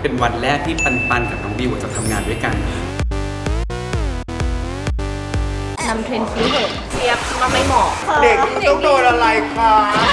เป็นวันแรกที่ปันกับน้องบิวจะทำงานด้วยกันนำเทรนด์คิ้วเหอะเจี๊ยบมันไม่เหมาะเด็กต้องโดนอะไรคะ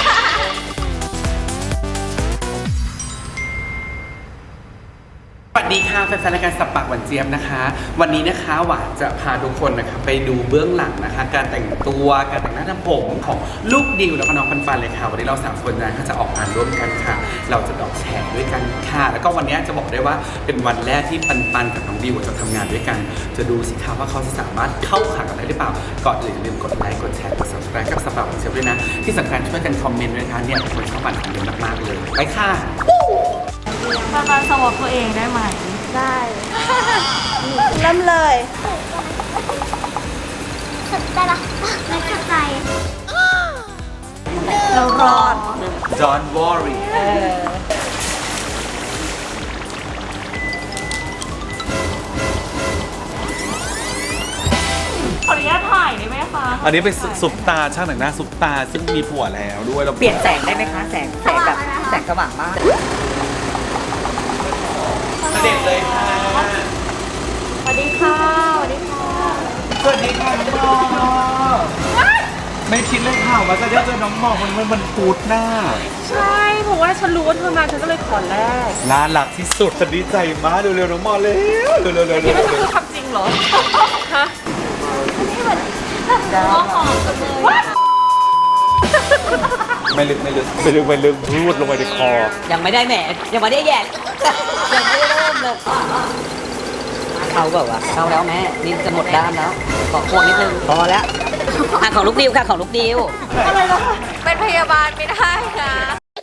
สวัสดีค่ะแฟนๆรายการสับปากหวานเจี๊ยบนะคะวันนี้นะคะหวานจะพาทุกคนนะคะไปดูเบื้องหลังนะคะการแต่งตัวการแต่งหน้าทำผมของลูกดิวแล้วก็น้องปันเลยค่ะวันนี้เรา3คนนะจะออกงานร่วมกันค่ะเราจะออกแฉด้วยกันค่ะแล้วก็วันนี้จะบอกได้ว่าเป็นวันแรกที่ปันกับน้องดิวจะทำงานด้วยกันจะดูสิคะว่าเขาจะสามารถเข้าขากันได้หรือเปล่าก่อนอื่นอย่าลืมกดไลค์กดแชร์กด subscribe กับสับปากหวานเจี๊ยบด้วยนะที่สำคัญช่วยกันคอมเมนต์ด้วยนะคะเนี่ยคนชอบอ่านคอมเมนต์มากๆเลยไปค่ะมาสวอปตัวเองได้ไหมได้เริ่มเลยได้ปะไม่เข้าใจเรารอด Don't worry ขออนุญาตถ่ายได้ไหมคะอันนี้เป็นซุปตาช่างแต่งหน้าซุปตาซึ่งมีผัวแล้วด้วยเราเปลี่ยนแสงได้ไหมคะแสงแบบแสงสว่างมากเด็กเลยค่ะสวัสดีค่ะสวัสดีค่ะสวัสดีค่ะน้องมอไม่คิดเลยค่ะว่าจะได้เจอน้องมอมันพูดหน้าใช่เพราะว่าฉันรู้ว่าเธอมาฉันก็เลยขอแรกน่ารักที่สุดฉันดีใจมากเร็วๆน้องมอเร็วเร็วนี่ไม่ใช่พูดความจริงเหรอฮะนี่เหมือนหอมกันเลยไม่ลึกพูดลงไปในคอยังไม่ได้แหมยังไม่ได้แย่ยังไม่ได้เริ่มเลยเขาแบบว่าเขาแล้วแม่นี่จะหมดด้านแล้วขอควงนิดนึงพอแล้วของลูกดิวค่ะของลูกดิวอะไรล่ะเป็นพยาบาลไม่ได้นะ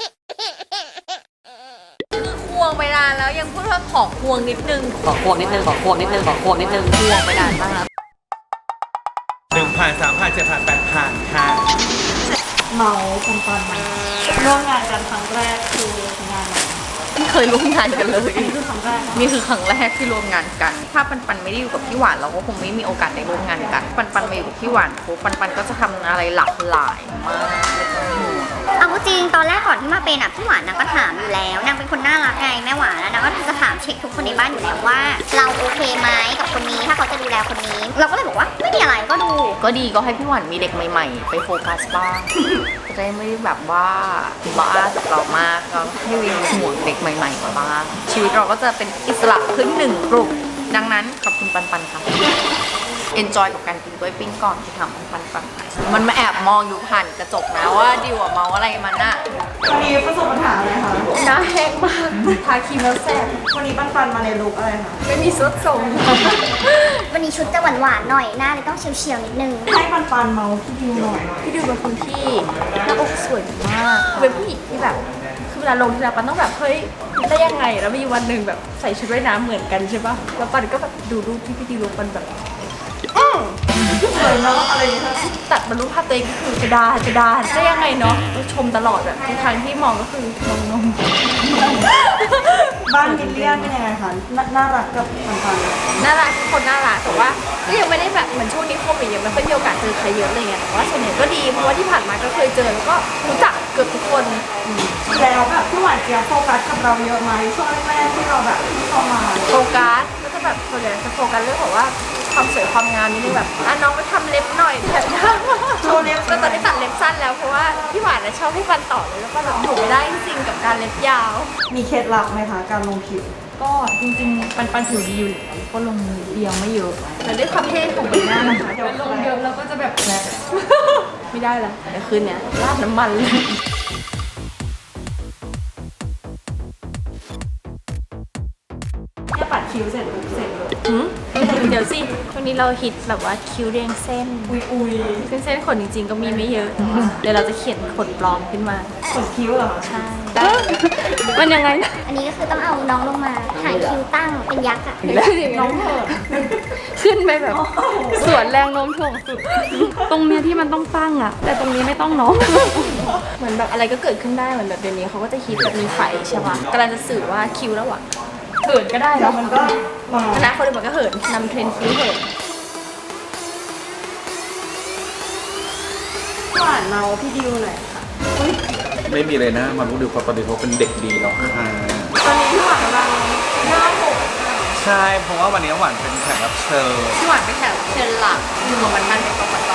คือควงไปนานแล้วยังพูดว่าขอควงนิดนึงขอควงนิดนึงควงไปนานมาก 1,000 3,000 7,000 8,000ค่ะเมาปันร่วมงานกันครั้งแรกคืองานไม่เคยร่วมงานกันเลยนี่คือครั้งแรกนี่คือครั้งแรกที่ร่วมงานกันถ้าปันไม่ได้อยู่กับพี่หวานเราก็คงไม่มีโอกาสได้ร่วมงานกันปันมาอยู่กับพี่หวานปุ๊บปันก็จะทำอะไรหลากหลายมากเอาจริงตอนแรกก่อนที่มาเป็นพี่หวานนางก็ถามอยู่แล้วนางเป็นคนน่ารักไงแม่หวานนางก็จะถามเช็คทุกคนในบ้านอยู่แล้วว่าเราโอเคไหมกับคนนี้ถ้าเขาจะดูแลคนนี้เราก็เลยบอกว่าไม่มีอะไรก็ดูก็ดีก็ให้พี่หวานมีเด็กใหม่ๆไปโฟกัสบ้างจะได้ไม่แบบว่าบ้ากับเรามากก็ให้วิวห่วงเด็กใหม่ๆมาบ้างชีวิตเราก็จะเป็นอิสระขึ้น1 กลุ่มดังนั้นขอบคุณปันค่ะenjoy กับการกินกล้วยปิ้งก่อนที่ทำปันมันมาแอบมองอยู่ผ่านกระจกนะว่าดิวเมาอะไรมันน่ะวันนี้ประสบปัญหาอะไรคะหน้าแห้งมากทาครีมแล้วแสบวันนี้ปันมาในลุคอะไรคะไม่มีซุดทรงวันนี้ชุดจะหวานๆหน่อยหน้าเลยต้องเฉียวๆนิดนึงให้ปันเมาพี่ดิวหน่อยพี่ดิวเป็นคนที่หน้าอกสวยมากเป็นผู้หญิงที่แบบคือเวลาลงทีไรปันต้องแบบเฮ้ยได้ยังไงแล้วมีวันหนึ่งแบบใส่ชุดว่ายน้ำเหมือนกันใช่ปะแล้วปันก็แบบดูรูปที่พี่ดิวลงปันแบบสวยเนาะอะไรอย่างเงี้ยตัดมารูปภาพตัวเองก็คือกระดาษได้ยังไงเนาะชมตลอดแบบทุกครั้งที่มองก็คือมองนมบ้านมิลเลียนเป็นยังไงคะน่ารักกับปันน่ารักทุกคนน่ารักแต่ว่าก็ยังไม่ได้แบบเหมือนช่วงนี้โควิดยังไม่ค่อยมีโอกาสเจอใครเยอะเลยไงแต่ว่าส่วนใหญ่ก็ดีเพราะว่าที่ผ่านมาก็เคยเจอแล้วก็รู้จักเกือบทุกคนแล้วแบบพี่หวานเจี๊ยบโฟกัสกับเราเยอะไหมช่วงแรกๆที่เราแบบเข้ามาโฟกัสก็จะแบบส่วนใหญ่จะโฟกัสเรื่องของว่าความสวยความงามนิดนึงแบบน้องไปทำเล็บหน่อยแบบโชว์เล็บแล้วตอนนี้ตัดเล็บสั้นแล้วเพราะว่าพี่หวานชอบให้ฟันต่อเลยแล้วก็แบบอยู่ไม่ได้จริงๆกับการเล็บยาวมีเคล็ดลับไหมคะการลงผิวก็จริงๆปันผิวดีอยู่แล้วก็ลงเดียวไม่เยอะแต่ด้วยความเท่ของใบหน้านะคะเดี๋ยวลงเยอะแล้วก็จะแบบไม่ได้แล้วเดี๋ยวคืนเนี้ยราดน้ำมันเลยปัดคิ้วเสร็จเลยเดี๋ยวสิช่วงนี้เราฮิตแบบว่าคิ้วเรียงเส้นอุยเส้นขนจริงๆก็มีไม่เยอะเดี๋ยวเราจะเขียนขนปลอมขึ้นมาขนคิ้วเหรอใช่มันยังไงนะอันนี้ก็คือต้องเอาน้องลงมาหายคิ้วตั้งเป็นยักษ์อะน้องเถิดขึ้นไปแบบสวนแรงโน้มถ่วงสุดตรงเนี้ยที่มันต้องตั้งอะแต่ตรงนี้ไม่ต้องเนาะเหมือนแบบอะไรก็เกิดขึ้นได้เหมือนแบบเดี๋ยวนี้เขาก็จะฮิตแบบมีไฟใช่ปะกำลังจะสื่อว่าคิ้วแล้วอะเหินก็ได้แล้วมันก็คณะคนอื่นมันก็เหินนำเทรนด์คิ้วเหินหวานเมาพี่ดิวหน่อยค่ะไม่มีเลยนะมารู้ดิวเขาตอนนี้เขาเป็นเด็กดีแล้วค่ะตอนนี้พี่หวานกำลังใช่เพราะว่าวันนี้น้ำหวานเป็นแขกรับเชิญพี่หวานเป็นแขกรับเชิญหลักอยู่กับมันเป็นกรกต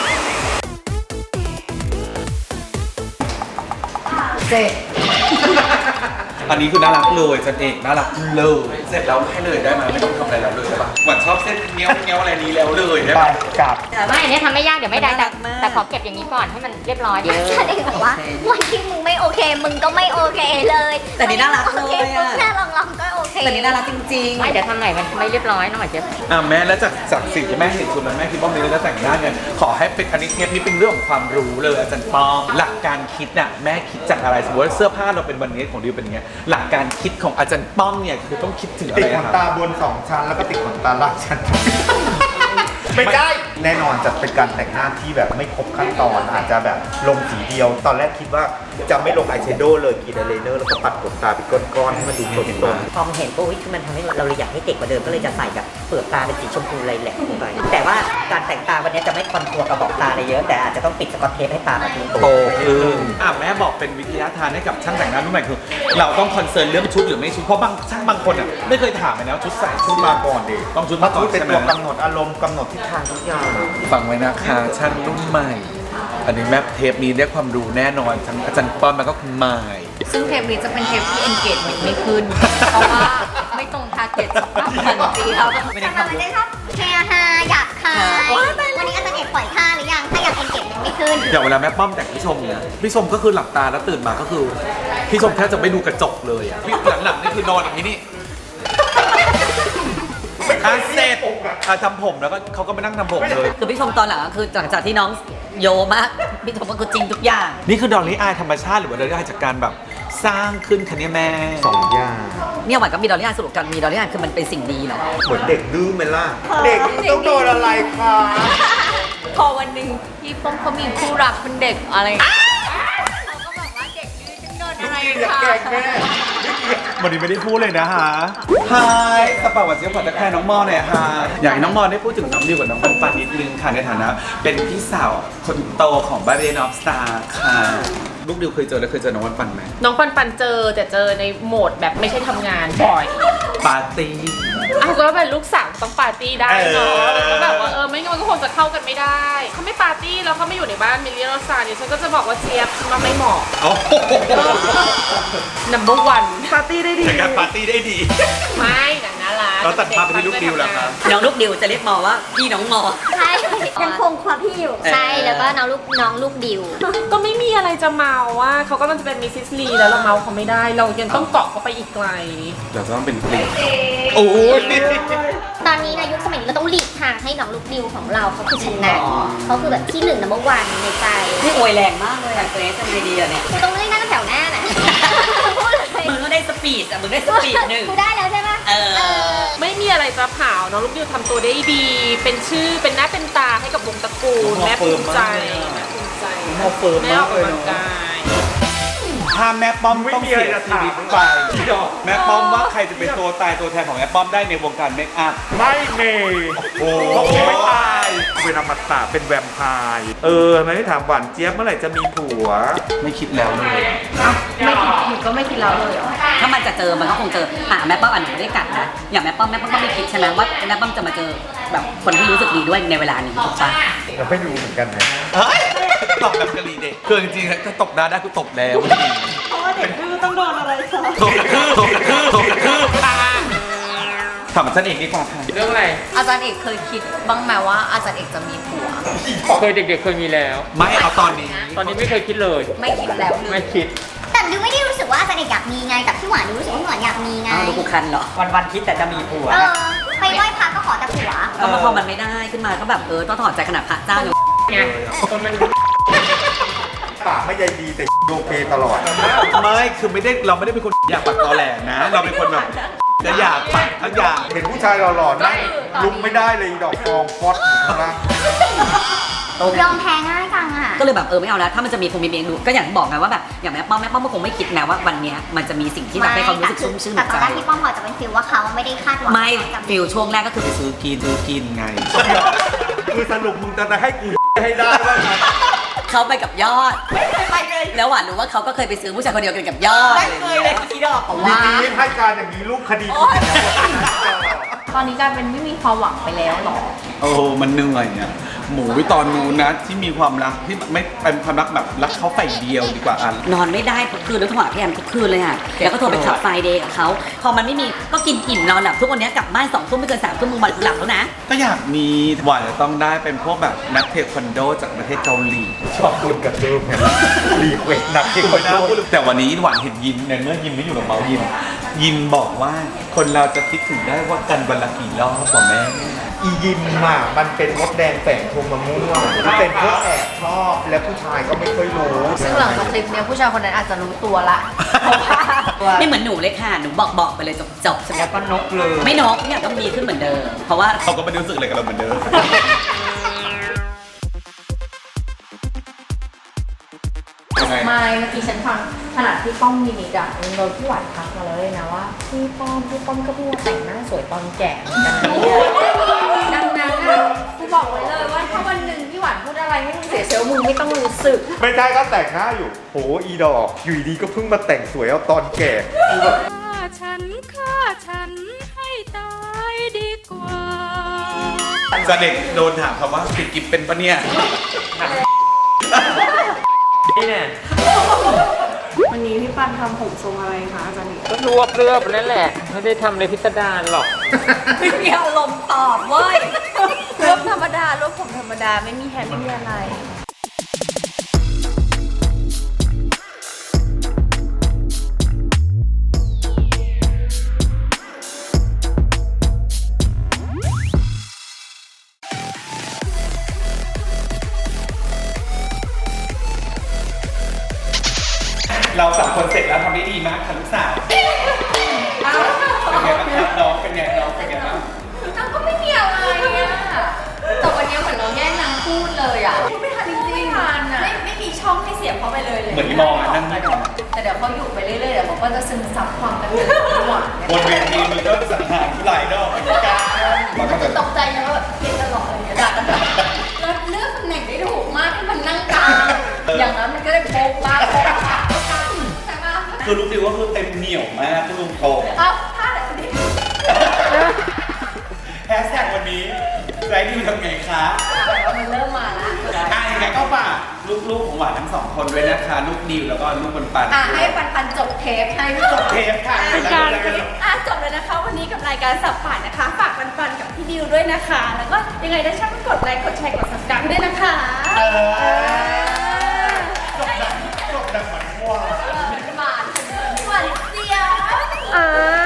เจ็ดอันนี้คือน่ารักเลยจันเอกน่ารักเลยเสร็จแล้วให้เลยได้ไหมไม่ต้องทำอะไรแล้วเลยใช่ปะหวานชอบเส้นเงี้ยวเงี้ยวอะไรนี้แล้วเลยได้ปะกลับไม่เนี่ยทำไม่ยากเดี๋ยวไม่ได้น่ารักมากแต่ขอเก็บอย่างนี้ก่อนให้มันเรียบร้อยฉันเองบอกว่าวันที่มึงไม่โอเค มึงก็ไม่โอเคเลยแต่นี่น่ารักเลยอะโอเคปุ๊บแค่ลองๆก็โอเคแต่นี่น่ารักจริงไม่เดี๋ยวทำไหนมันไม่เรียบร้อยน้องหมายเจ็บแม่แล้วจากสิ่งที่แม่เห็นคุณแล้วแม่คิดว่ามีเรื่องแต่งหน้าเนี่ยขอให้เป็นอันนี้เทปนี้เป็นเรื่องของความรู้เลยอาจารย์ปอหลักการคิดน่ะแม่คิดจากอะไรสมมติว่าเสื้อผ้าเราเป็นวันนี้ของดิวเป็นอย่างเงี้ยหลักการคิดของอาจารย์ป้อมเนี่ยคือต้องคิดถึงอะติดไรขอะนครับตาบน 2 ชั้น แล้วก็ติดขนตาล่างชั้น ไม่ได้ แน่นอนจะเป็นการแต่งหน้าที่แบบไม่ครบขั้นตอน อาจจะแบบลงสีเดียว ตอนแรกคิดว่าจะไม่ลงอายแชโดว์เลยกรีดอายไลเนอร์แล้วก็ปัดขนตาเป็นก้อนๆให้มันดูสดๆพอเห็นปุ๊บคือมันทำให้เราเลยอยากให้เด็กกว่าเดิมก็เลยจะใส่แบบเปลือกตาเป็นสีชมพูเลยแหละลงไปแต่ว่าการแต่งตาวันนี้จะไม่คอนทัวร์กระบอกตาอะไรเยอะแต่อาจจะต้องปิดสกอตเทปให้ตามันโตโตขึ้นแม่บอกเป็นวิทยาทานให้กับช่างแต่งหน้ารุ่นใหม่คือ เราต้องคอนเซิร์นเรื่องชุดหรือไม่ชุดเพราะบางช่างบางคนอ่ะไม่เคยถามเลยนะชุดใส่ชุดๆมาก่อนดิต้องชุดเพมาราะก่อชุนดเป็นใช่ไหมตัวกำหนดอารมณ์กำหนดทิศทางทุกอย่างฟังไว้นะคะช่างรุ่นใหม่ อันนี้แม่เทปนี้ได้ความรู้แน่นอนทั้งอาจารย์ป้อมแล้วก็คุณหมายซึ่งเทปนี้จะเป็นเทปที่ engagement ไม่ขึ้น เพราะว่าไม่ตรง target สำหรับมันจีครับไม่ได้สำหรับมันจะชอบเชียร์ฮาอยากฮาวันนี้อาจารย์เอกปล่อยท่าหรือยัง ถ้าอยากเอ็นเก็บไม่ขึ้นอย่างเวลาแม่ป้อมแต่งพี่ชมเนี่ยพี่ชมก็คือหลับตาแล้วตื่นมาก็คือพี่ชมแทบจะไม่ดูกระจกเลยอ่ะหลังๆนี่คือนอนอย่างนี้นี่เสร็จทำผมแล้วก็เขาก็ไปนั่งทำผมเลยคือพี่ชมตอนหลังก็คือหลังจากที่น้องโยมากพี่ชมก็คือจริงทุกอย่างนี่คือดอลลี่อายธรรมชาติหรือว่าดอลลี่อายจากการแบบสร้างขึ้นคะเนี่ยแม่ 2 อย่างเนี่ยหวานก็มีดอลลี่อายสรุปกันมีดอลลี่อายคือมันเป็นสิ่งดีเนาะเหมือนเด็กดื้อไหมล่ะ เด็กมันต้องโดนอะไรคะพอวันหนึ่งพี่ป้อมเขามีคู่รักเป็นเด็กอะไรอย่างเงี้ยเราก็แบบว่าเด็กดื้อฉันโดนอะไรอย่าคะแกล้งแม่วันนี้ไม่ได้พูดเลยนะฮะฮายกระเป๋าหวานเจี๊ยบขอตะแคร์น้องมอหน่อยฮะอยากให้น้องมอได้พูดถึงน้องดิวกับน้องปันปันนิดนึงค่ะในฐานะ เป็นพี่สาวคนโตของบาเรนออฟสตาร์ค่ะลูกดิวเคยเจอแล้วเคยเจอน้องปันปันไหมน้องปันปันเจอแต่เจอในโหมดแบบไม่ใช่ทำงานบ่อยปาร์ตี้อ้าวก็เป็นลูกสาวต้องปาร์ตี้ได้เนาะเออแล้วก็แบบว่าไม่งั้นมันก็คงจะเข้ากันไม่ได้เขาไม่ปาร์ตี้แล้วเขาไม่อยู่ในบ้านมิลเลียนซาเนี่ยฉันก็จะบอกว่าเจี๊ยบมันไม่เหมาะโอ้โห number one ปาร์ตี้ได้ดีแต่การปาร์ตี้ได้ดีไม่แต่น่ารักเราตัดภาพไปที่ลูกดิวแล้วครับน้องลูกดิวจะเรียกมอว่าพี่น้องมอใช่ ยังคงความพี่อยู่ ใช่ แล้วก็น้องลูกดิวก็ไม่มีอะไรจะเมาว่าเขาก็มันจะเป็นมิสซิสลีแล้วเราเมาเขาไม่ได้ เรายังต้องเกาะเขาไปอีกไกลเราต้องเป็นเพลงโอ้ยตอนนี้นะยุคสมัยนี้เราต้องหลีกทางให้น้องลูกดิวของเราเขาคือชนะเขาคือแบบที่1 number 1ในใจนี่อวยแรงมากเลยอะเกรซทำไงดีอะเนี่ยกูต้องเล่นนั่งแถวหน้านะพูดเลยมึงก็ได้สปีดอะมึงได้สปีดหนึ่งกูได้แล้วใช่ปะเออไม่มีอะไรจะเผาน้องลูกดิวทำตัวได้ดี เป็นชื่อเป็นหน้าเป็นตาให้กับวงตระกูลแม่ภูมิใจแม่ภูมิใจมอเฟิร์มแม่อมาอก กเลยกำลังเนาะกายถ้าแม่ป้อมต้องเสียชีวิตไปแม่ป้อมว่าใครจะเป็นตัวตายตัวแทนของแม่ป้อมได้ในวงการเมคอัพไม่เมย์โอ้เขาคงไม่ตายเป็นอมตะเป็นแวมไพร์ไม่ได้ถามหวานเจี๊ยบเมื่อไหร่จะมีผัวไม่คิดแล้วเลยไม่คิดหนูก็ไม่คิดแล้วเลยเหรอถ้ามันจะเจอมันก็คงเจอแม่ป้อมหนูไม่ได้กัดนะอย่างแม่ป้อมก็ไม่คิดใช่ไหมว่าแม่ป้อมจะมาเจอแบบคนที่รู้สึกดีด้วยในเวลานี้ถูกปะเราไม่รู้เหมือนกันนะเฮ้ยตบแบบกะหรี่เด็กคือจริงๆถ้าตบหน้าได้กูตบแล้วเพราะว่าเด็กดื้อต้องโดนอะไรคะตบคือค่ะถามฉันเองดีกว่าค่ะเรื่องอะไรอาจารย์เอกเคยคิดบ้างไหมว่าอาจารย์เอกจะมีผัวเคยเด็กๆเคยมีแล้วไม่เอาตอนนี้ตอนนี้ไม่เคยคิดเลยไม่คิดแล้วเลไม่ยคิดแต่ดิวไม่ได้รู้สึกว่าอาจารย์เอกอยากมีไงกับพี่หวานดิวรู้สึกว่าพี่หวานอยากมีไงอ้าวดูกูคันเหรอวันคิดแต่จะมีผัวไปไหว้พระก็ขอแต่ผัวก็พอมันไม่ได้ขึ้นมาก็แบบต้องถอดใจขนาดพระเจ้าเนี่ยไงคนมันปากไม่ใยดีแต่โอเคตลอดไม่คือไม่ได้เราไม่ได้เป็นคนอยากปักตอแหลนะ เราเป็นคนแบบจะอยากปักทั้งอย่างเห็นผู้ชายหล่อๆนั่งลุกไม่ได้เลยดอกฟองฟอดอยู่ข้างล่างยอมแพ้ง่ายจังอ่ะก็เลยแบบไม่เอาแล้วถ้ามันจะมีคงมีเองดูก็อย่างที่บอกไงว่าแบบอย่างแม่ป้อมก็คงไม่คิดนะว่าวันเนี้ยมันจะมีสิ่งที่แบบให้เขารู้สึกชุ่มชื่นแต่หัวตอนใจแรกพี่ป้อมพอจะเป็นฟิลว่าเขาไม่ได้คาดหวังไม่จะฟิลช่วงแรกก็คือไปซื้อซื้อกินไงคือสรุปมึงจะให้กูให้ได้ว่าไงเขาไปกับยอดแล้วหวานรู้ว่าเขาก็เคยไปซื้อผู้ชายคนเดียวกันกับยอดไม่เคยเลยที่ดอกดีๆให้การอย่างนี้ลูกคดีกูตอนนี้กลายเป็นไม่มีความหวังไปแล้วหรอโอ้มันเหนื่อยเนี่ยหมูตอนนู้นนะที่มีความรักที่ไม่เป็นความรักแบบรักเขาฝ่ายเดียวดีกว่าอันนอนไม่ได้ทุกคืนแล้วโทรหาพี่แอมทุกคืนเลยค่ะแล้วก็โทรไปขับไฟเดย์กับเขาพอมันไม่มีก็กินอิ่มนอนหลับทุกวันนี้กลับบ้าน2 ทุ่มไม่เกิน3 ทุ่มมึงมาหลับแล้วนะก็อยากมีหวานจะต้องได้เป็นพวกแบบนักเทควันโดจากประเทศเกาหลีชอบดุนกับเดิมไงรีเควสนักที่คนพูดแต่วันนี้หวานเห็นยินในเมื่อยินไม่อยู่กับเมายินบอกว่าคนเราจะคิดถึงได้ว่ากันวันละกี่รอบกว่าแม่อียิมอ่ะมันเป็นมดแดงแฝงโทรมาม่วงที่เป็นพวกแอบชอบและผู้ชายก็ไม่ค่อยรู้ซึ่งหลังจากคลิปเนี้ยผู้ชายคนนั้นอาจจะรู้ตัวละเพราะว่าไม่เหมือนหนูเลยค่ะหนูบอกไปเลยจบๆแล้วก็นกเลยไม่นกทุกอย่างต้องดีขึ้นเหมือนเดิมเพราะว่าเขาก็ไม่ได้รู้สึกอะไรกับเราเหมือนเดิมไม่เมื่อกี้ฉันฟังขนาดที่ป้อมมินิดอะโดนพี่หวานทักมาแล้วเลยนะว่าพี่ป้อมก็เพิ่งมาแต่งหน้าสวยตอนแก่เหมือนกันนะเนี่ยดังนั้นอะกูบอกไว้เลยว่าถ้าวันหนึ่งพี่หวานพูดอะไรให้มึงเสียเซลล์มึงไม่ต้องรู้สึกไม่ได้ก็แต่งหน้าอยู่โหอีดอกอยู่ดีๆก็เพิ่งมาแต่งสวยเอาตอนแก่กูแบบฆ่าฉันให้ตายดีกว่าจะเด็กโดนถามคำว่าติดกิฟเป็นปะเนี่ยวันนี้พี่ปันทำผมทรงอะไรคะอาจารย์นิก็รวบนั่นแหละ ไม่ได้ทำอะไรพิสดารหรอกไม่มีอารมณ์ตอบเว้ยรูปธรรมดารูปผมธรรมดาไม่มีแฮปปี้อะไรเราสองคนเสร็จแล้วทำได้ดีมากค่ะลูกสาวเป็นไงบ้างครับน้องเป็นไงบ้างนางก็ไม่มีอะไรอะแต่วันนี้เหมือนเราแย่งนางพูดเลยอะพูดไม่ทันจริงๆไม่ทันอะไม่มีช่องให้เสียบเขาไปเลยเหมือนที่มองอ่ะนั่งนี่ก่อนแต่เดี๋ยวเขาอยู่ไปเรื่อยๆเดี๋ยวเขาก็จะซึมซับความเป็นหวานบนเวทีมันก็สังหารผู้หลายดอกเหมือนกันมันก็จะตกใจนะว่าแบบเกลียดตลอดอะไรอย่างเงี้ยด่ากันแบบแล้วเลือกตำแหน่งได้ถูกมากที่มันนั่งกลางอย่างนั้นมันก็ได้โป๊กมากโป๊กมากใช่ปะคือลูกดิวก็คือเต็มเหนียวมากคุณลุงโตเอ้าท่าไหนวันนี้แฮชแท็กวันนี้ไรดิวทำไงคะมันเริ่มมาละยังไงก็ฝากลูกๆของหวานทั้งสองคนด้วยนะคะ ลูกดิวแล้วก็ลูกปันให้ปันจบเทปให้จบเทปค่ะจบเลยนะคะ วันนี้กับรายการสับป่านนะคะ ฝากปันกับพี่ดิวด้วยนะคะ แล้วก็ยังไงได้ช่างกดไลค์ กดแชร์ กด subscribe ด้วยนะคะจบแบบเหมือนว่าหวานเสียวอ่า